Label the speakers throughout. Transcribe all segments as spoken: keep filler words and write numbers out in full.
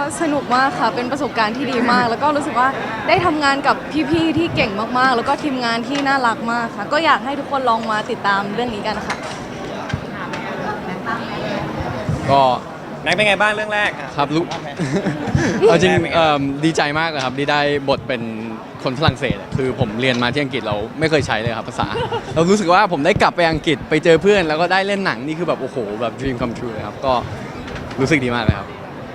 Speaker 1: สนุกมากค่ะเป็นประสบการณ์ที่ดีมาก แล้วก็รู้สึกว่าได้ทำงานกับพี่ๆที่เก่งมากๆ แล้วก็ทีมงานที่น่ารักมากค่ะ ก็อยากให้ทุกคนลองมาติดตามเรื่องนี้กันค่ะ
Speaker 2: ก็
Speaker 3: แม็กเป็นไงบ้างเรื่องแรกอ่ะ
Speaker 2: ครับรู้ เอาจริงเอิ่มดีใจมากเลยครับที่ได้บทเป็นคนฝรั่งเศสอะคือผมเรียนมาที่อังกฤษเราไม่เคยใช้เลยครับภาษา เรารู้สึกว่าผมได้กลับไปอังกฤษไปเจอเพื่อนแล้วก็ได้เล่นหนังนี่คือแบบโอ้โหแบบ dream come true เลยครับก็รู้สึกดีมากเลยครับ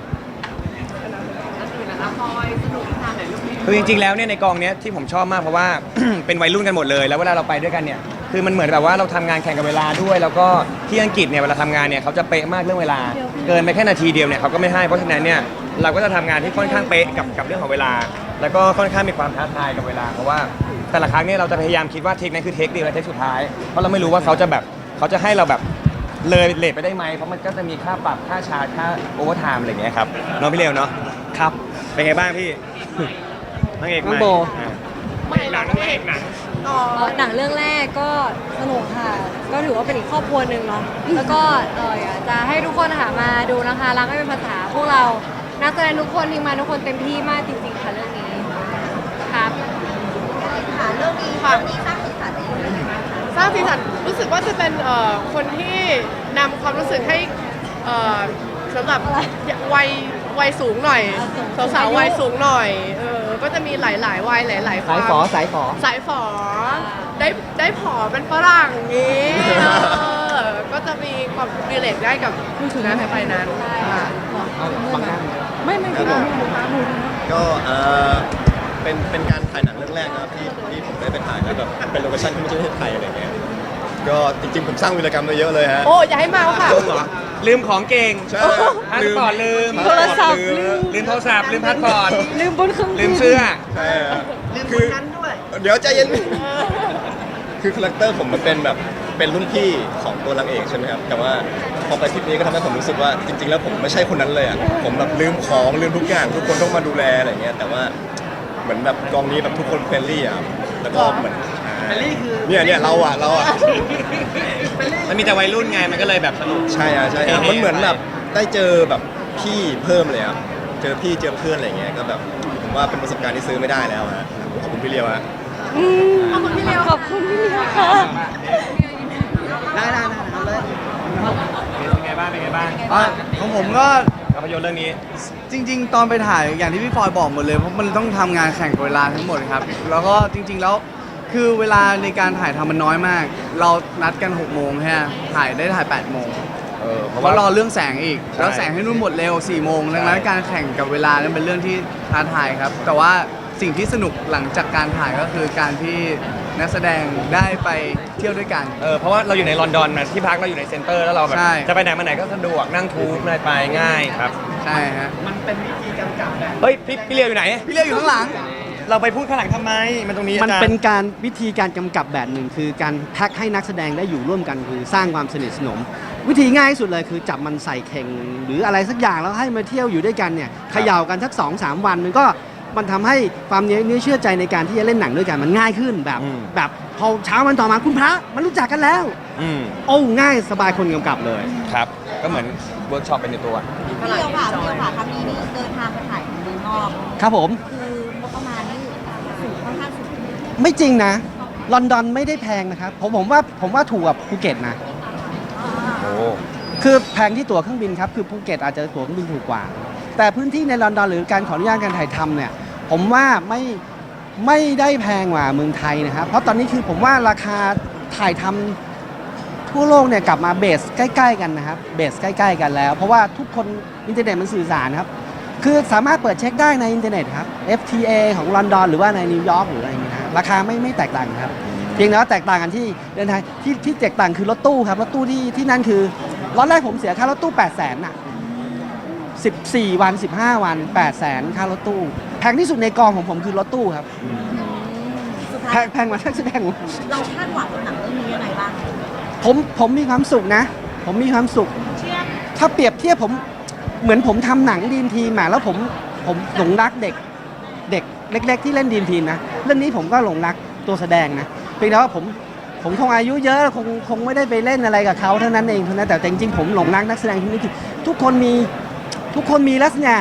Speaker 3: คือจริงๆแล้วเนี่ยในกองเนี้ยที่ผมชอบมากเพราะว่า เป็นวัยรุ่นกันหมดเลยแล้วเวลาเราไปด้วยกันเนี่ยคือมันเหมือนแบบว่าเราทำงานแข่งกับเวลาด้วย แล้วก็ที่อังกฤษเนี่ยเวลาทำงานเนี่ยเขาจะเป๊ะมากเรื่องเวลา เกินไปแค่นาทีเดียวเนี่ยเขาก็ไม่ให้เพราะฉะนั้นเนี่ยเราก็จะทำงานที่ค่อนข้างเป๊ะกับกับเรื่องของเวลา แล้วก็ค่อนข้างมีความท้าทายกับเวลาเพราะว่าแต่ละครั้งเนี่ยเราจะพยายามคิดว่าเทคนั้นคือเทคเดียวและเทคสุดท้ายเพราะเราไม่รู้ว่าเขาจะแบบเขาจะให้เราแบบเลยเลทไปได้ไหมเพราะมันก็จะมีค่าปรับค่าชาร์จค่าโอเวอร์ไทม์อะไรอย่างเงี้ยครับน้องพี่เลวเนาะครับเป็นไงบ้างพี่ นางเอกใหม่
Speaker 2: น้องโบ
Speaker 3: อ่ะไม่หนังนางเอกหนัง
Speaker 4: อ๋อหนังเรื่องแรกก็สนุกค่ะ ก็ถือว่าเป็นอีกครอบครัวหนึ่งเนาะ แล้วก็เอออยากจะให้ทุกคนหามาดูนะคะรักไม่เป็นภาษาพวกเรานักแสดงทุกคนทีมงานทุกคนเต็มที่มากจริงๆค่ะเรื่องนี้ครับ
Speaker 5: ค่ะเรื่องนี้ค่ะนี้สร้างสีสันได้ยังไงบ้างคะ
Speaker 6: สร้างสีสันรู้สึกว่าจะเป็นเอ่อคนที่นำความรู้สึกให้เอ่อสำหรับวัยวัยสูงหน่อยสาวๆวัยสูงหน่อยเออก็จะมีหลายๆวัยหลายๆความ
Speaker 2: สายฝอสายฝอ
Speaker 6: สายฝอได้ได้ผอเป็นฝรั่งอย่างนี้เออก็จะมีความรีเลทได้กับนะไปนั้นค่ะ
Speaker 1: ไม่ไม่ไม่ไม่
Speaker 7: ก็เอ่อเป็นเป็นการถ่ายหนังเรื่องแรกนะครับที่ที่ผมได้ไปถ่ายแล้วแบบเป็นโลเคชั่นที่ไม่ใช่ประเทศไทยอะไรเงี้ยก็จริงๆผมสร้างวีรกรรมมาเยอะเลยฮะ
Speaker 6: โอ้อย่าให้เมาค่ะ
Speaker 3: ลืมเหรอลืมของเก่ง
Speaker 7: ใช่
Speaker 3: พาสปอร์ตลืม
Speaker 1: โทรศัพท์
Speaker 7: ลืม
Speaker 3: ลืมโทรศัพท์ลืมพาสปอร์ต
Speaker 1: ลืมบนเครื่องบิน
Speaker 3: ลืมเสื้อ
Speaker 7: ใช่ฮะ
Speaker 5: ลืมค
Speaker 7: คื
Speaker 5: น
Speaker 7: อ
Speaker 5: นั้นด้วย
Speaker 7: เดี๋ยวใจเย็นคือคาแรคเตอร์ผมมันเป็นแบบเป็นรุ่นพี่ของตัวนางเอกใช่ไหมครับแต่ว่าพอไปทริปนี้ก็ทำให้ผมรู้สึกว่าจริง ๆ แล้วผมไม่ใช่คนนั้นเลยอ่ะผมแบบลืมของลืมทุกอย่างทุกคนต้องมาดูแลอะไรเงี้ยแต่ว่าเหมือนแบบกองนี้แบบทุกคนเฟรนลี่อ่ะแล้วก็เหมือนเฟรนลี่คือเนี่ยเนี่ยเราอ่ะเราอ่ะ
Speaker 3: มันมีแต่วัยรุ่นไงมันก็เลยแบบสนุก
Speaker 7: ใช่อ่ะใช่อ่ะมันเหมือนแบบได้เจอแบบพี่เพิ่มเลยครับเจอพี่เจอเพื่อนอะไรเงี้ยก็แบบผมว่าเป็นประสบการณ์ที่ซื้อไม่ได้แล้วฮะขอบคุณพี่เลียวฮะ
Speaker 1: ขอบคุณพี่เลียวขอบคุณพี่เลียวค่ะ
Speaker 5: ได้ได้ได้เอาเลย
Speaker 3: เป็นไงบ้างเป็นไงบ้าง
Speaker 8: อ่ะของผมก็
Speaker 3: ภาพยนตร์เรื่องนี้
Speaker 8: จริง ๆ ตอนไปถ่ายอย่างที่พี่ฟอยบอกหมดเลยเพราะมันต้องทำงานแข่งกับเวลาทั้งหมดครับ แล้วก็จริง ๆ แล้วคือเวลาในการถ่ายทำมันน้อยมาก เรานัดกันหกโมงแค่ถ่ายได้ถ่ายแปดโมง
Speaker 3: เออเพ
Speaker 8: เพ
Speaker 3: ราะ
Speaker 8: ราะ
Speaker 3: ว่า
Speaker 8: รอเรื่องแสงอีก
Speaker 3: ใช่
Speaker 8: แล้วแสงให้นุ่นหมดเร็วสี่โมงดังนั้น
Speaker 3: ใช่
Speaker 8: การแข่งกับเวลานั้นเป็นเรื่องที่ท้าทายครับ แต่ว่าสิ่งที่สนุกหลังจากการถ่ายก็คือการที่นักแสดงได้ไปเที่ยวด้วยกัน
Speaker 3: เออเพราะว่าเราอยู่ในลอนดอนนะที่พักเราอยู่ในเซ็นเตอร์แล้วเราแบบ
Speaker 8: ใช่
Speaker 3: จะไปไหนมาไหนก็สะดวกนั่งทูบอะไรไปง่ายครับ
Speaker 8: ใช่ฮะ
Speaker 3: เฮ้ยพี่พี่เลียวอยู่ไหน
Speaker 8: พี่เลี้ยวอยู่ข้างหลัง
Speaker 3: เราไปพูดข้างหลังทำไมมันตรงนี้
Speaker 9: มัน
Speaker 3: อาจารย์
Speaker 9: เป็นการวิธีการกำกับแบบหนึ่งคือการแพ็คให้นักแสดงได้อยู่ร่วมกันคือสร้างความสนิทสนม วิธีง่ายที่สุดเลยคือจับมันใส่เข่ง หรืออะไรสักอย่างแล้วให้มาเที่ยวอยู่ด้วยกันเนี่ยเขย่ากันสักสองสามวันมันก็มันทำให้ความเนื้อเชื่อใจในการที่จะเล่นหนังด้วยกันมันง่ายขึ้นแบบ
Speaker 3: อืม
Speaker 9: แบบพอเช้าวันต่อมาคุณพระมันรู้จักกันแล้ว
Speaker 3: อืม
Speaker 9: โอ้ง่ายสบายคนกำกับเลย
Speaker 3: ครับ ก็เหมือนเวิร์กช็อปเป็นในตัว
Speaker 5: พี่เลียวค่ะพี่เลียวค่ะครั้งนี้นี่เดินทางไปถ่ายเมืองนอก
Speaker 9: ครับผม
Speaker 5: คืองบประมาณนี่สูงค่อนข้างสูง
Speaker 9: ไม่จริงนะลอนดอนไม่ได้แพงนะครับผมผมว่าผมว่าถูกกว่าภูเก็ตนะ
Speaker 3: โอ้
Speaker 9: คือแพงที่ตั๋วเครื่องบินครับ คือภูเก็ตอาจจะตั๋วเครื่องบินถูกกว่า แต่พื้นที่ในลอนดอนหรือการขออนุญาตการถ่ายทำเนี่ย ผมว่าไม่ไม่ได้แพงกว่าเมืองไทยนะครับ เพราะตอนนี้คือผมว่าราคาถ่ายทำทั่วโลกเนี่ยกลับมาเบสใกล้ๆกันนะครับ เบสใกล้ๆกันแล้ว เพราะว่าทุกคนอินเทอร์เน็ตมันสื่อสารครับ คือสามารถเปิดเช็คได้ในอินเทอร์เน็ตครับ เอฟ ที เอ ของลอนดอนหรือว่าในนิวยอร์กหรืออะไรอย่างเงี้ยนะราคาไม่ไม่แตกต่างครับ เพียงแต่ว่าแตกต่างกันที่เดินทางที่ที่แตกต่างคือรถตู้ครับรถตู้ที่ที่นั่นคือรอบแรกผมเสียค่ารถตู้แปดแสนน่ะสิบสี่วันสิบห้าวันแปดแสนค่ารถตู้แพงที่สุดในกองของผมคือรถตู้ครับ
Speaker 5: สุด
Speaker 9: แพ
Speaker 5: ท้าย
Speaker 9: งแพงกว่านักแสดง
Speaker 5: เราคาดหวังกับหนังเรื่องนี้ยังไงบ้าง
Speaker 9: ผมผมมีความสุขนะ ผมมีความสุข
Speaker 5: เชื่อ
Speaker 9: ถ้าเปรียบเทียบผมเหมือนผมทำหนังดีมทีมมาแล้วผมผมหลงรักเด็กเด็กเล็ก ๆ ที่เล่นดีมทีมนะเรื่องนี้ผมก็หลงรักตัวแสดงนะเพียงแต่ว่าผมผมคงอายุเยอะคงคงไม่ได้ไปเล่นอะไรกับเขาเท่านั้นเองเท่านั้นแต่จริงๆผมหลงรักนักแสดงที่นี่คือทุกคนมีทุกคนมีลักษณะ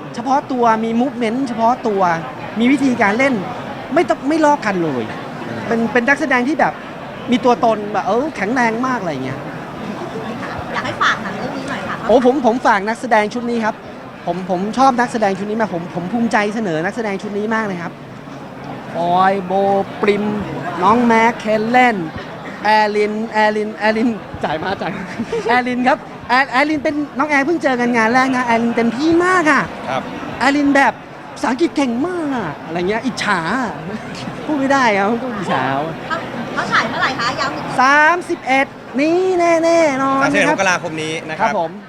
Speaker 9: เฉพาะตัวมีมูฟเมนต์เฉพาะตัวมีวิธีการเล่นไม่ต้องไม่ลอกกันเลยเป็นเป็นนักแสดงที่แบบมีตัวตนแบบเออแข็งแรงมากอะไรเงี้ย
Speaker 5: อยากให้ฝากหนังเรื่องนี้หน่อยค่ะ
Speaker 9: โอ้ผมผมฝากนักแสดงชุดนี้ครับผมผมชอบนักแสดงชุดนี้มากผมผมภูมิใจเสนอนักแสดงชุดนี้มากเลยครับออยโบปริมน้องแม็กเคนเล่นแอลินแอลินแอลินจ่ายมาจ่าย แอลินครับแอแอลินเป็นน้องแอร์เพิ่งเจอกันงานแรกนะแอลินเต็มที่มากอ่ะ
Speaker 3: ครับ
Speaker 9: แอลินแบบภาษาอังกฤษเก่งมากอะอะไรเงี้ยอิจฉาพูดไม่ได้ครับต้องอิจฉา
Speaker 5: เขาเขาฉายเมื่อไหร่คะย้ำอีกที
Speaker 9: สามสิบเอ็ดนี้แน่ๆนอน
Speaker 3: สามสิบเอ็ด
Speaker 9: ค
Speaker 3: ม
Speaker 9: รับ
Speaker 3: กราคมนี้นะค
Speaker 9: ครั
Speaker 3: รั
Speaker 9: บบ ผม